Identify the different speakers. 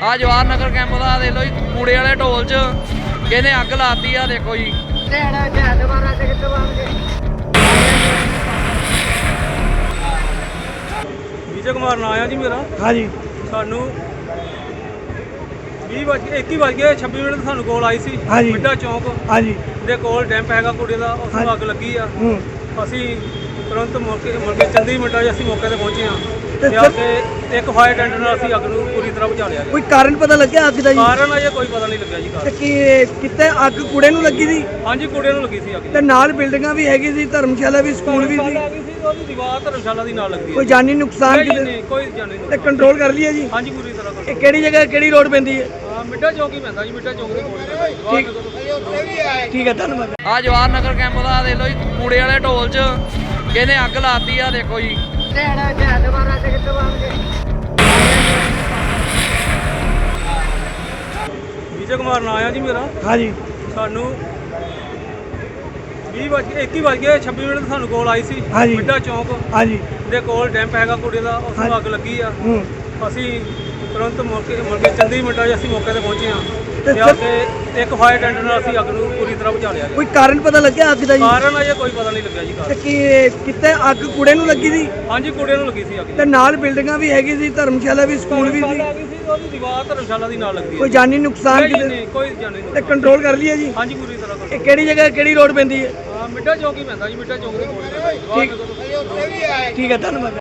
Speaker 1: ਆ ਜਵਾਹਰ ਨਗਰ ਕੈਂਪ ਦਾ ਦੇਖ ਲਓ ਜੀ, ਕੂੜੇ ਵਾਲੇ ਢੋਲ 'ਚ ਕਿਹਨੇ ਅੱਗ ਲਾਤੀ ਆ, ਦੇਖੋ ਜੀ।
Speaker 2: ਵਿਜੇ ਕੁਮਾਰ ਨਾਂ ਆ ਜੀ ਮੇਰਾ।
Speaker 3: ਹਾਂਜੀ
Speaker 2: ਸਾਨੂੰ 21:26 ਮਿੰਟ ਤੇ ਸਾਨੂੰ ਕੋਲ ਆਈ ਸੀ
Speaker 3: ਹਾਂਜੀ।
Speaker 2: ਮਿੱਡਾ ਚੌਂਕ
Speaker 3: ਹਾਂਜੀ
Speaker 2: ਦੇ ਕੋਲ ਡੈਂਪ ਹੈਗਾ ਕੂੜੇ ਦਾ, ਉਸ ਨੂੰ ਅੱਗ ਲੱਗੀ ਆ। ਅਸੀਂ ਤੁਰੰਤ ਮੌਕੇ ਚੰਦੀ ਮਿੰਟਾਂ 'ਚ ਅਸੀਂ ਮੌਕੇ ਤੇ ਪਹੁੰਚੇ ਹਾਂ ਤੇ ਆ ਕੇ ਇੱਕ ਫਾਇਰ ਟੈਂਡਰ ਨਾਲ ਅਸੀਂ ਅੱਗ ਨੂੰ ਪੂਰੀ ਤਰ੍ਹਾਂ ਬੁਝਾ ਲਿਆ।
Speaker 3: ਕੋਈ ਕਾਰਨ ਪਤਾ ਲੱਗਿਆ ਅੱਗ ਦਾ ਜੀ?
Speaker 2: ਕਾਰਨ ਅਜੇ ਕੋਈ ਪਤਾ ਨਹੀਂ ਲੱਗਿਆ ਜੀ।
Speaker 3: ਤੇ ਕੀ ਕਿਤੇ ਅੱਗ ਕੂੜੇ ਨੂੰ ਲੱਗੀ ਸੀ?
Speaker 2: ਹਾਂਜੀ, ਕੂੜੇ ਨੂੰ ਲੱਗੀ ਸੀ ਅੱਗ।
Speaker 3: ਤੇ ਨਾਲ ਬਿਲਡਿੰਗਾਂ ਵੀ ਹੈਗੀ ਸੀ, ਧਰਮਸ਼ਾਲਾ ਵੀ, ਸਕੂਲ ਵੀ ਸੀ।
Speaker 2: ਉਹਦੀ ਦੀਵਾਰ ਧਰਮਸ਼ਾਲਾ ਦੀ ਨਾਲ ਲੱਗੀ
Speaker 3: ਕੋਈ ਜਾਨੀ ਨੁਕਸਾਨ
Speaker 2: ਨਹੀਂ,
Speaker 3: ਕਿਤੇ?
Speaker 2: ਨਹੀਂ ਕੋਈ ਜਾਨੀ
Speaker 3: ਤੇ
Speaker 2: ਨੁਕਸਾਨ।
Speaker 3: ਕੰਟਰੋਲ ਕਰ ਲਿਆ ਜੀ?
Speaker 2: ਹਾਂਜੀ, ਪੂਰੀ ਤਰ੍ਹਾਂ
Speaker 3: ਇਹ ਕਿਹੜੀ ਜਗ੍ਹਾ ਕਿਹੜੀ ਰੋਡ ਪੈਂਦੀ ਹੈ?
Speaker 2: ਮਿੱਡਾ ਚੌਂਕ ਹੀ ਪੈਂਦਾ ਜੀ, ਮਿੱਡਾ ਚੌਂਕ ਦੇ ਕੋਲ ਪੈਂਦਾ ਜੀ।
Speaker 3: ਠੀਕ ਹੈ, ਧੰਨਵਾਦ।
Speaker 1: ਆ ਜਵਾਹਰ ਨਗਰ ਕੈਂਪ ਦਾ ਦੇਖ ਲਓ ਜੀ, ਕੂੜੇ ਵਾਲੇ ਢੋਲ 'ਚ ਕਿਹਨੇ ਅੱਗ ਲਾਤੀ ਆ, ਦੇਖੋ ਜੀ।
Speaker 2: ਵਿਜੇ ਕੁਮਾਰ ਨਾਂ ਆ ਜੀ ਮੇਰਾ।
Speaker 3: ਹਾਂਜੀ
Speaker 2: ਸਾਨੂੰ 21:26 ਮਿੰਟ ਤੇ ਸਾਨੂੰ ਕੋਲ ਆਈ ਸੀ
Speaker 3: ਹਾਂਜੀ।
Speaker 2: ਮਿੱਡਾ ਚੌਂਕ
Speaker 3: ਹਾਂਜੀ
Speaker 2: ਦੇ ਕੋਲ ਡੈਂਪ ਹੈਗਾ ਕੂੜੇ ਦਾ, ਉਸ ਨੂੰ ਅੱਗ ਲੱਗੀ ਆ। ਅਸੀਂ ਤੁਰੰਤ ਮੌਕੇ ਚੰਦੀ ਮਿੰਟਾਂ 'ਚ ਅਸੀਂ ਮੌਕੇ ਤੇ ਪਹੁੰਚੇ ਹਾਂ ਤੇ ਆ ਕੇ ਇੱਕ ਫਾਇਰ ਟੈਂਡਰ ਨਾਲ ਅਸੀਂ ਅੱਗ ਨੂੰ ਪੂਰੀ ਤਰ੍ਹਾਂ ਬੁਝਾ ਲਿਆ।
Speaker 3: ਕੋਈ ਕਾਰਨ ਪਤਾ ਲੱਗਿਆ ਅੱਗ ਦਾ ਜੀ?
Speaker 2: ਕਾਰਨ ਅਜੇ ਕੋਈ ਪਤਾ ਨਹੀਂ ਲੱਗਿਆ ਜੀ।
Speaker 3: ਤੇ ਕੀ ਕਿਤੇ ਅੱਗ ਕੂੜੇ ਨੂੰ ਲੱਗੀ ਸੀ?
Speaker 2: ਹਾਂਜੀ, ਕੂੜੇ ਨੂੰ ਲੱਗੀ ਸੀ ਅੱਗ।
Speaker 3: ਤੇ ਨਾਲ ਬਿਲਡਿੰਗਾਂ ਵੀ ਹੈਗੀ ਸੀ, ਧਰਮਸ਼ਾਲਾ ਵੀ, ਸਕੂਲ ਵੀ ਸੀ।
Speaker 2: ਉਹਦੀ ਦੀਵਾਰ ਧਰਮਸ਼ਾਲਾ ਦੀ ਨਾਲ ਲੱਗੀ।
Speaker 3: ਕੋਈ ਜਾਨੀ ਨੁਕਸਾਨ
Speaker 2: ਨਹੀਂ,
Speaker 3: ਕਿਤੇ?
Speaker 2: ਨਹੀਂ ਕੋਈ ਜਾਨੀ
Speaker 3: ਤੇ
Speaker 2: ਨੁਕਸਾਨ।
Speaker 3: ਕੰਟਰੋਲ ਕਰ ਲਿਆ ਜੀ?
Speaker 2: ਹਾਂਜੀ, ਪੂਰੀ ਤਰ੍ਹਾਂ
Speaker 3: ਇਹ ਕਿਹੜੀ ਜਗ੍ਹਾ ਕਿਹੜੀ ਰੋਡ ਪੈਂਦੀ ਹੈ?
Speaker 2: ਮਿੱਡਾ ਚੌਂਕ ਹੀ ਪੈਂਦਾ ਜੀ, ਮਿੱਡਾ ਚੌਂਕ ਦੇ ਕੋਲ ਪੈਂਦਾ ਜੀ।
Speaker 3: ਠੀਕ ਹੈ, ਧੰਨਵਾਦ।